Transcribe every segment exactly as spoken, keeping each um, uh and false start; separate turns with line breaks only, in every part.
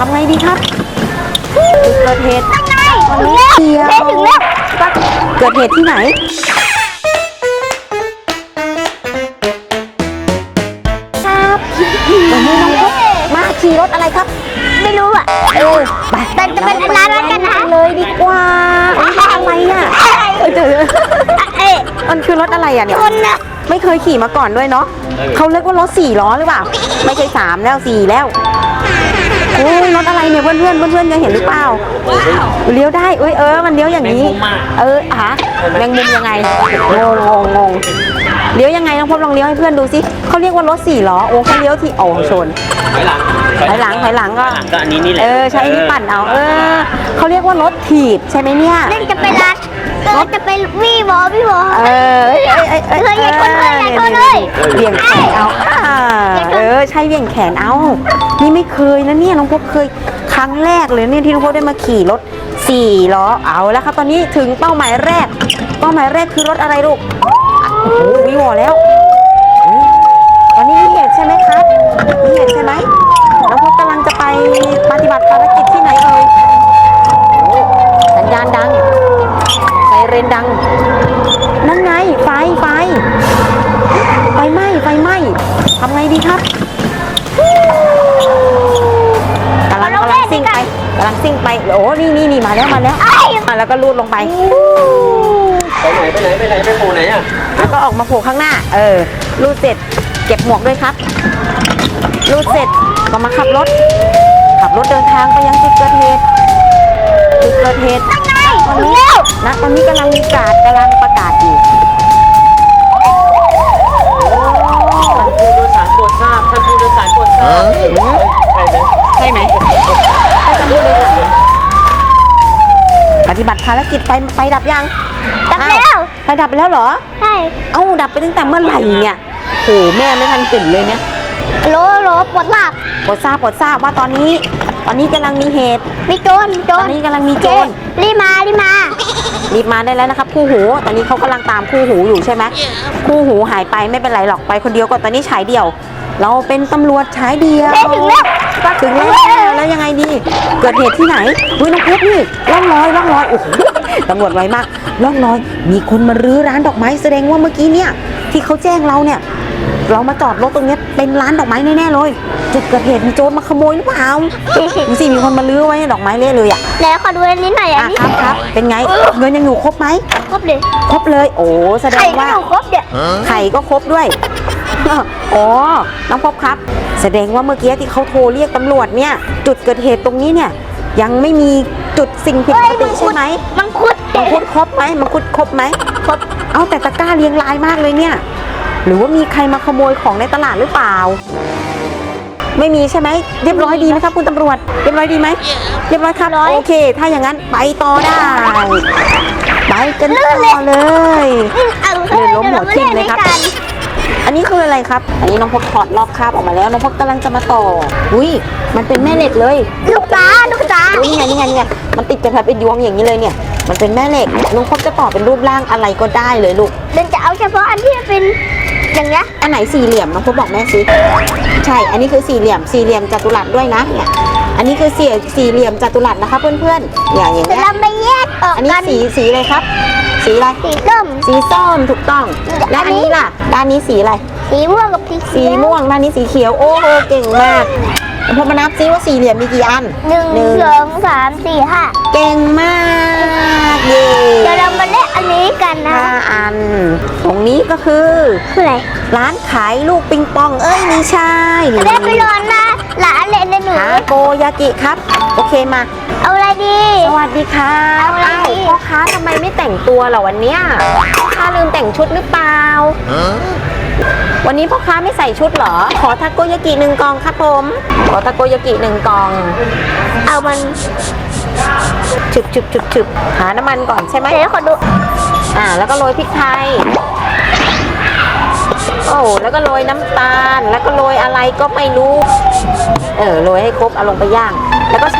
ำไงดีครับจุดเกิดเหตุ
นั่นไง
วัน
ถึง
นี้
แล้ว
เดียว
ถึงแล้ว
เกิดเหตุที่ไหนครับวันนี้น้องพบมาขี่รถอะไรครับ
ไม่รู้อ่ะ
เออไป
แต่จะเป็นร้านนั้นกันนะ
เลยดีกว่าอะไรอ่ะเออเจอ
เอ๊ะ
มันคือรถอะไรอ่ะเนี่ย
คนนะ
ไม่เคยขี่มาก่อนด้วยเนาะเขาเรียกว่ารถสี่ล้อหรือเปล่าไม่ใช่สามแล้วสี่แล้วโอ้ยรถอะไรเนี่ยเพื่อนเพื่อนเพื่อนเพื่อนยังเห็นหรือเปล่าเลี้ยวได้เอ้ยเออมันเลี้ยวอย่างนี้เอออะแมงมุมยังไงงงงงงเลี้ยวยังไงน้องพบลองเลี้ยวให้เพื่อนดูสิเขาเรียกว่ารถสี่ล้อโอ้เขาเลี้ยวที่โอ้ชน
ถอยหลัง
ถอยหลังถอยหลังก็
ถอยหลังก็อันนี้นี่แหละ
เออใช้อันนี้ปั่นเอาเออเขาเรียกว่ารถถีบใช่ไหมเนี่ย
เล่นจะไปร้านก็จะไปวี่บอวี่บอ
เออเอ้ยเอ้ยเอ้ยเอ้ย
เฮ้ยอย่าชนเลยอย่าชนเลย
เบี่ยงแขนเอาอ่าเออใช่เบี่ยงแขนเอานี่ไม่เคยนะเนี่ยน้องพบเคยครั้งแรกเลยเนี่ยที่น้องพบได้มาขี่รถสี่ล้อเอาแล้วครับตอนนี้ถึงเป้าหมายแรกเป้าหมายแรกคือรถอะไรลูกโอ้โหวิวแล้วตอนนี้มีเหตุใช่ไหมครับมีเหตุใช่ไหมน้องพบกำลังจะไปปฏิบัติภารกิจที่ไหนเอ่ยโอ้สัญญาณดังไซเรนดังนั่นไงไฟไฟไฟไหม้ไฟไหม้ทำไงดีครับกำลังกำลังซิ่งไปกำลังซิ่งไปโอ้นี่นี่นี่มาแล้วมาแล้วอ่ะแล้วก็ลูดลงไป
ไปไหนไปไหนไปไหนไปโผล่ไหนอ่ะ
แล้วก็ออกมาโผล่ข้างหน้าเออลูดเสร็จเก็บหมวกด้วยครับลูดเสร็จก็มาขับรถขับรถเดินทางไปยังจุดเกิดเหตุจุดเกิดเหตุ
นั่นไง
ตอน
ถึง
นี้
แล้ว
นะตอนนี้กำลังมีการกำลังประกาศอยู่โอ้
ผู้โดยสารโปรดทราบท่านผู้โดยสารโปรดทราบใช่ไหม
ใช่ไหมใช่ตำรวจเลยค่ะปฏิบัติภารกิจไฟไฟดับยัง
ดับแล้ว
อ้าไฟดับไปแล้วเหรอ
ใช่
เอ้าดับไปตั้งแต่เมื่อไหร่เนี่ยโหแม่ไม่ทันตื่นเลยเนี่ย
โลโลปวดหลับ
โปรดทราบโปรดทราบว่าตอนนี้ ตอนนี้กำลังมีเหตุ
มีโจรโจ
ตอ
ร
นนี้กำลังมีโจร
รีบมารีบมา
รีบมาได้แล้วนะครับคู่หูตอนนี้เขากำลังตามคู่หูอยู่ใช่ไหมคู่หูหายไปไม่เป็นไรหรอกไปคนเดียวก็ตอนนี้ฉายเดี่ยว เราเป็นตำรวจฉายเดียว
เฮ้ยถึงแล้ว
ถึงแล้วแล้วยังไงดีเกิดเหตุที่ไหนอุ้ยน้องเพชรนี่ร่องรอยร่องรอยโอ้โหตำรวจไวมากร่องรอยมีคนมารื้อร้านดอกไม้แสดงว่าเมื่อกี้เนี่ยที่เขาแจ้งเราเนี่ยเรามาจอดรถตรงนี้เป็นร้านดอกไม้แน่ๆเลยจุดเกิดเหตุมีโจรมาขโมยหรือเปล่าดูสิมีคนมาลื้อไว้ดอกไม้เละเลยอ่ะ
ไหนขอดูอันนี้หน่อยอัน
อ่ะ
นี้
ครับครับเป็นไงเงินยังอยู่ครบไหม
ครบเลย
ครบเลยโอ้แสด
ไข่
ง
ก็
ว่า
อยู่ครบเดี๋ยว
ไข่ก็ครบด้วย อ๋อน้องพบครับ แสดงว่าเมื่อกี้ที่เขาโทรเรียกตำรวจเนี่ยจุดเกิดเหตุตรงนี้เนี่ยยังไม่มีจุดสิ่งผิดปกติใช่ไหม
มังคุด
มังคุดครบไหมมังคุดครบไหม
ครบ
เอาแต่ตะกร้าเรียงรายมากเลยเนี่ยหรือว่ามีใครมาขโมยของในตลาดหรือเปล่า ไม่มีใช่ไหมเรียบร้อยดีไหมครับคุณตำรวจเรียบร้อยดีไหมเรียบร้อยครับโอเค ถ้าอย่างนั้นไปต่อได้ไปกันต่อเลย
เอา
เดินล้มหัวทิ่มเลยครับ อันนี้คืออะไรครับ อันนี้น้องพบถอดลอกคราบออกมาแล้วน้องพบกำลังจะมาต่ออุ้ยมันเป็นแม่เหล็กเลย
ลูกตาลูกตา
อุ๊ยนี่ไงนี่ไงนี่ไงมันติดกันแบบเป็นยวงอย่างนี้เลยเนี่ยมันเป็นแม่เหล็กน้องพบจะต่อเป็นรูปร่างอะไรก็ได้เลยลูก
เดินจะเอาเฉพาะอันที่เป็นอย่างเงี้ย
อันไหนสี่เหลี่ยมน้องพบบอกแม่สิใช่อันนี้คือสี่เหลี่ยมสี่เหลี่ยมจัตุรัสด้วยนะเนี่ยอันนี้คือสี่สี่เหลี่ยมจัตุรัสนะคะเพื่อนๆอย่างอย่าง
เดี๋ยว
เงี้ย
เราไปแยกออก
อันนี้
กัน
สีสีอะไรครับ สีอะไร
สีส้ม
สีส้มถูกต้องและอันนี้ล่ะด้านนี้สีอะไร
สีม่วงกับสี
สี
เขียว
ม่วงด้านนี้สีเขียวโอ้โหเก่งมากพอมานับซิว่าสี่เหลี่ยมมีกี่อัน
หนึ่งสองสามสี่ห้า
เก่งมากเย่
เดี๋ยวเรามาเล่นอันนี้กันนะ
ห้าอัน ตรงนี้ก็คือ
คืออะไร
ร้านขายลูกปิงปองเอ้ยไม่ใช่
เล่นไปร้อนนะหลานเล่นในหนู
ทาโกยากิครับ โอเคมา
เอาอะไรดี
สวัสดีค่ะ
เอาอะไร
อ้าว
ดี
พ่อค้าทำไมไม่แต่งตัวเหรอวันเนี้ยพ่อค้าลืมแต่งชุดหรือเปล่า วันนี้พ่อค้าไม่ใส่ชุดเหรอ ขอทาโกยากิหนึ่งกล่องครับผม ขอทาโกยากิหนึ่งกล่อง
เอามัน
ฉึบฉึบฉึบฉึบหาน้ำมันก่อนใช่ไหม
เดี๋ยวขอดู
อ่า แล้วก็โรยพริกไทย โอ้แล้วก็โรยน้ำตาล แล้วก็โรยอะไรก็ไม่รู้ เออ โรยให้ครบ เอาลงไปย่าง แล้วก็ใช้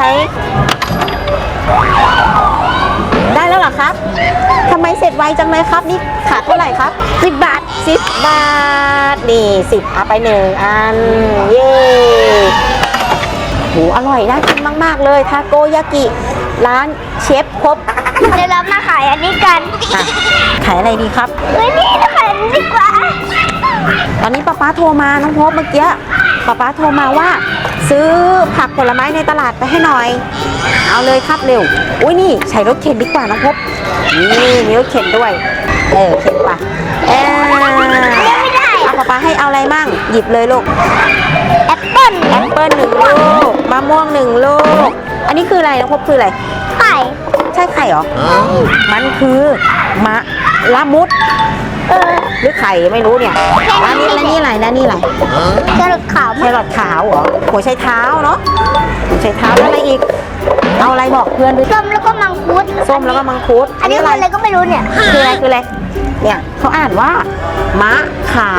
ได้แล้วเหรอครับทำไมเสร็จไวจังเลยครับ นี่ขาดเท่าไหร่ครับสิบบาทสิบบาท นี่สิบเอาไปหนึ่งอัน เย้โหอร่อยน่ากินมากๆเลยทาโกยากิร้านเชฟครบ
เดี๋ยวเรามาขายอันนี้กัน
อ่ะขายอะไรดีครับ
เฮ้ยนี่เราขายอันนี้ดีกว่า
ตอนนี้ป้าป๊าโทรมาน้องพบเมื่อกี้ป้าป๊าโทรมาว่า ซื้อผักผลไม้ในตลาดไปให้หน่อย เอาเลยครับเร็วอุ้ยนี่ใช้รถเข็นดีกว่าน้องพบนี่มีรถเข็นด้วยเออเข็นไปเออ
ไม่ได้
เอาป้าป๊าให้เอาอะไรมั่งหยิบเลยลูก
แอปเปิ้ล
แอปเปิ้ลหนึ่งลูกมะม่วงหนึ่งลูกอันนี้คืออะไรน้องพบคืออะไร
ไข่
ใช่ไข่เหรอมันคือมะละมุด
เออ
หรือไข่ไม่รู้เนี่ยแล้วนี่แล้วนี่อะไรแล้วนี่อะไร
แครอทขาว
แครอทขาวเหรอหัวไชเท้าเนาะหัวไชเท้าแล้วอะไรอีก เอาอะไรบอกเพื่อนด้วย
ส้มแล้วก็มังคุด
ส้มแล้วก็มังคุด
อันนี้คืออะไรก็ไม่รู้เนี่ย
คืออะไรคืออะไรเนี่ยเขาอ่านว่า มะขาม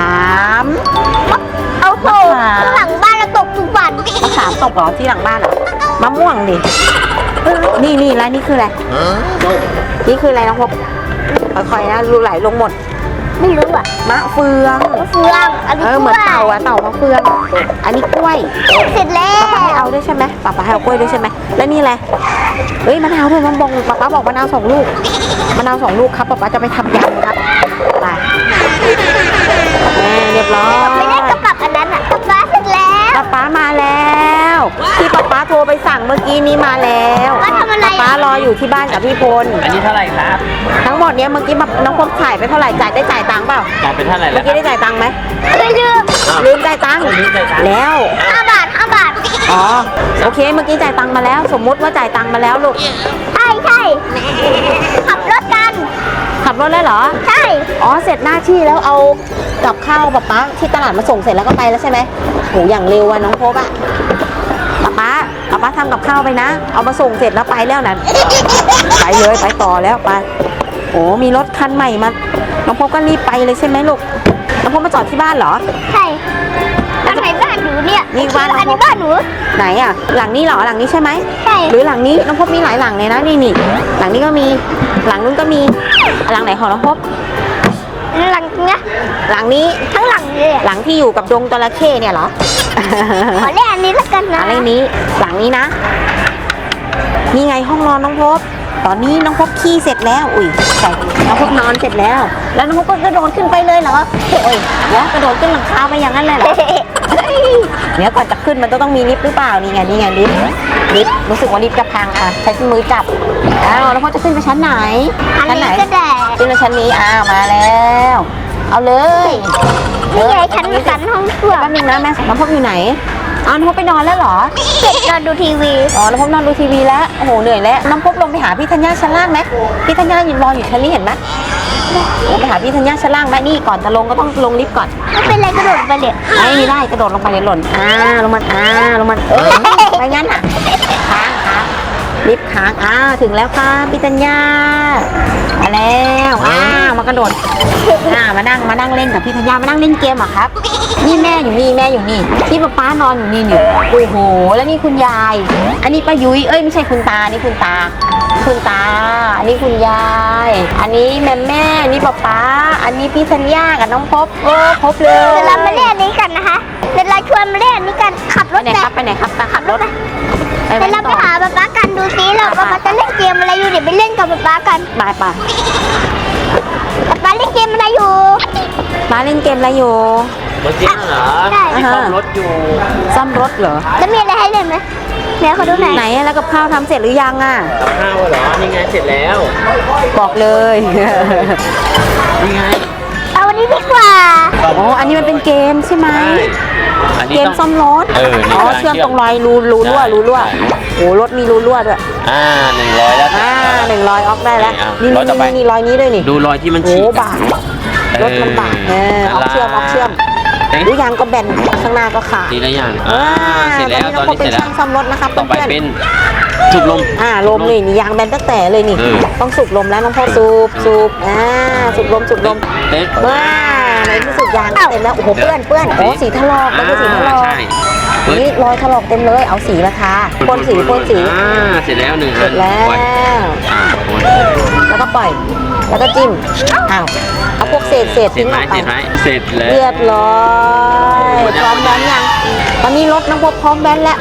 เอาโถข้างหลังบ้านเราตกทุกวัน
มะขามตกเหรอที่หลังบ้านเหรอมะม่วงดินี่นี่แล้วนี่คืออะไรนี่คืออะไรน้องพบค่อยๆนะรูไหลลงหมด
ไม่รู้อ่ะ
มะเฟือง
มะเฟืองอันนี้
เออเหมือนเต่าอะเต่ามะเฟือง อันนี้กล้วย
เสร็จแล้
ป้าให้
ว
เอาด้วยใช่ไหมป้าป้าให้เอากล้วยด้วยใช่ไหมแล้วนี่อะไรเฮ้ยมะนาวด้วยมะบงป้าป้าบอกมะนาวสองลูกมะนาวสองลูกครับป้าป้าจะไปทำยำครับไปแม่เรียบร้อย
ไม่ได้กระปับอันนั้นอ่ะกระปับเสร็จแล้ว
ป้าป้ามาแล้วที่ป้าป้าโทรไปสั่งเมื่อกี้นี้มาแล้ว
ป้าทำอะไร
ป้ารออยู่ที่บ้านกับพี่พล
อันนี้เท่าไหร่ครับ
ทั้งหมดเนี้ยเมื่อกี้น้องพบถ่ายไปเท่าไหร่จ่ายได้จ่ายตังค์เปล่า
จ่ายเป็นเท่าไหร่
เมื่
แล้
อ
วค
กี้
รับ
ได้จ่ายตังค์ไหม
ไม่ลืม
ลืมจ่ายตังค์
ลืมจ่ายตังค์
แล้ว
ห้าบาทห้าบาท
อ๋อโอเคเมื่อกี้จ่ายตังค์มาแล้ว สมมุติว่าจ่ายตังค์มาแล้วลูก
ใช่ใช่ขับรถกัน
ขับรถเลยเหรอ
ใช่
อ๋อเสร็จหน้าที่แล้วเอากับข้าวป๊าป๊าที่ตลาดมาส่งเสร็จแล้วก็ไปแล้วใช่ไหมโหอย่างเร็วอะน้องพบอะป๊าป๊าป๊าป๊าทำกับข้าวไปนะ เอามาส่งเสร็จแล้วไปแล้วนั้นไปเลยไปต่อแล้วไปโอ้มีรถคันใหม่มาน้องพบก็รีบไปเลยใช่ไหมลูกน้องพบมาจอดที่บ้านเหรอ
ใช่อันไหนบ้านหนูเนี่ย
นี่บ้าน
อันนี้บ้านหนู
ไหนอะหลังนี้เหรอหลังนี้ใช่ไหม
ใช่
หรือหลังนี้น้องพบมีหลายหลังเลยนะนี่นี่หลังนี้ก็มีหลังนู้นก็มีหลังไหนของน้องพบ
หลังเนี้ย
หลังนี้
ทั้งหลังเลยอะ
หลังที่อยู่กับดงจระเข้เนี่ยเหรอ
ขอเล่นอันนี้ละกันนะ
อะไรนี้หลังนี้นะนี่ไงห้องนอนน้องพบตอนนี้น้องพบขี้เสร็จแล้วอุ้ยใช่น้องพบนอนเสร็จแล้ว แล้วน้องพบก็กระโดดขึ้นไปเลยเหรอโอ้ยเดี๋ยวกระโดดขึ้นหลังคาไปอย่างนั้นเลยเหรอเดี๋ยวก่อนจะขึ้นมันจะต้องมีลิฟต์หรือเปล่านี่ไงนี่ไงลิฟต์ลิฟต์รู้สึกว่าลิฟต์จะพังอ่ะใช้มือจับอ้าวแล้วพบจะขึ้นไปชั้นไหน
อัน
ชั้นไหน
นี้ก็ได้
ขึ้นไปชั้นนี้อ้าวมาแล้ว เอาเลย
นี่ไงชั้นชั้นห้องครัว
แป๊บนึงนะแม่น้องพบอยู่ไหนอ้าวน้องพบไปนอนแล้วเหรอ
เสร็จนอนดูทีวี
อ๋อน้องพบนอนดูทีวีแล้วโอ้โหเหนื่อยแล้วน้องพบลงไปหาพี่ธัญญาชั้นล่างไหมพี่ธัญญายืนรออยู่ชั้นนี้เห็นไหมลงไปหาพี่ธัญญาชั้นล่างไหมนี่ก่อนจะลงก็ต้องลงลิฟต์ก่อน
ไม่เป็นไรกระโดดไปเลย
ไม่ได้กระโดดลงไปเลยหล่นอ่าลงมาอ่าลงมาเออไม่งั้นอ่ะค้างค้างลิฟต์ค้างอ่าถึงแล้วค่ะพี่ธัญญามาแล้วอ่ามากระโดดอ่ามานั่งมานั่งเล่นกับพี่ธัญญามานั่งเล่นเกมเหรอครับนี่แม่อยู่นี่แม่อยู่นี่พี่ป๊าป๊านอนอยู่นี่นี่โอ้โหแล้วนี่คุณยาย อันนี้ป้ายุ้ยเอ้ยไม่ใช่คุณตานี่คุณตา คุณตา อันนี้คุณยาย อันนี้แม่แม่อันนี้ป๊าป๊าอันนี้พี่ธัญญากับน้องพบโอ้ครบเลย
เดี๋ยวเรามาเล่นอันนี้กันนะคะเดี๋ยวเราชวนมาเล่นอันนี้กันขับร
ไป
ถ
ไหน
ไป
ครับไปไหนครับไปขับรถไป
เดี๋ยวเราไปหาป๊าป๊ากันดูซิเราป๊าป๊าจะเล่นเกมอะไรอยู่เดี๋ยวไปเล่นกับป๊าป๊ากัน
ไปไป
ป๊าป๊าเล่นเกมอะไรอยู่
มาเล่นเกมอะไรอยู่
รถจริงเหรอ
ใช่
มีซ่อมรถอยู่
ซ่อมรถเหรอ
แล้วมีอะไรให้เล่นไหมเดี๋ยวเขาดูหน่อย
ไหนอะแล้วกับข้าวทำเสร็จหรือยังอ่ะ
กับข้าวเหรอนี่ไงเสร็จแล้ว
บอกเลย
นี่ไง
เอาวันนี้ดีกว่า
อ๋ออันนี้มันเป็นเกมใช่ไหม
ใช่อันนี้
เกม
ต้อง
ซ่อมรถ
เออนี่
อ๋อก
ำลัง
เชื่อม
เชื่อม
ตรงรอยรูรูรั่ว
ใช่
รูรั่ว
ใช่
โอ้รถมีรูรั่วด้วย
อ่าหนึ่งร้อยแล้ว
อ่าหนึ่งรอยออกได้แล้ว
นี่
นี่
อ่ะร้อยต่อไป
นี่นี่รอยนี้ด้วยนี่
ดูรอยที่มัน
โอ้
ฉีก
บาดรถมันบาดเออออกเชื่อมออกเชื่อม
เอ๊ะ
ดูยางก็แบนข้างหน้าก็ขาด
ทีละอย่าง
อ่า
อ่าเสร็จแล้วตอน
ตอน
นี้
นี้
เสร็จ
น้องพบเป็นช่าง
แล้ว
ซ่อมรถนะครับ
ต่อไป
เพื่อนๆ
เป็นจุดลม
อ่าลมเลยนี่ยางแบนตั้งแต่เลยนี่
เออ
ต้องสูบลมแล้วน้องพ่อสูบสูบอ่าสูบลมสูบลม
เอ๊ะ
ว้าในที่สุดยางเต็มแล้วโอ้โหเปื้อนเปื้อนโอ้สีถลอกแล้วก็สีถลอก
ใช่เฮ้ย
นี่รอยถลอกเต็มเลยเอาสีมาทาพ่นสีพ่นสี
อ่าเสร็จแล้วหนึ่ง
เสร็จแล้ว
ปอยอ่าพ่น
แล้วก็ปล่อย แล้วก็จิ้มอ้าวเอาพวกเศษเศษ
เสร็
ทิ้
จ
ง
ไหม
ออกไป
เสร็จไหมเสร็จแล้ว
เรียบร้อยพร้อมแบนยังตอนนี้รถน้องพบพร้อมแบนแล้วไป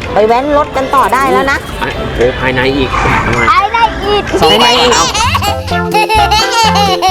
ไปแว้นรถกันต่อได้แล้วนะ
โอ้ภายในอีกทำไม
ไปได้อีก
สอง
ไปไหน
ใบ
อีก
เอา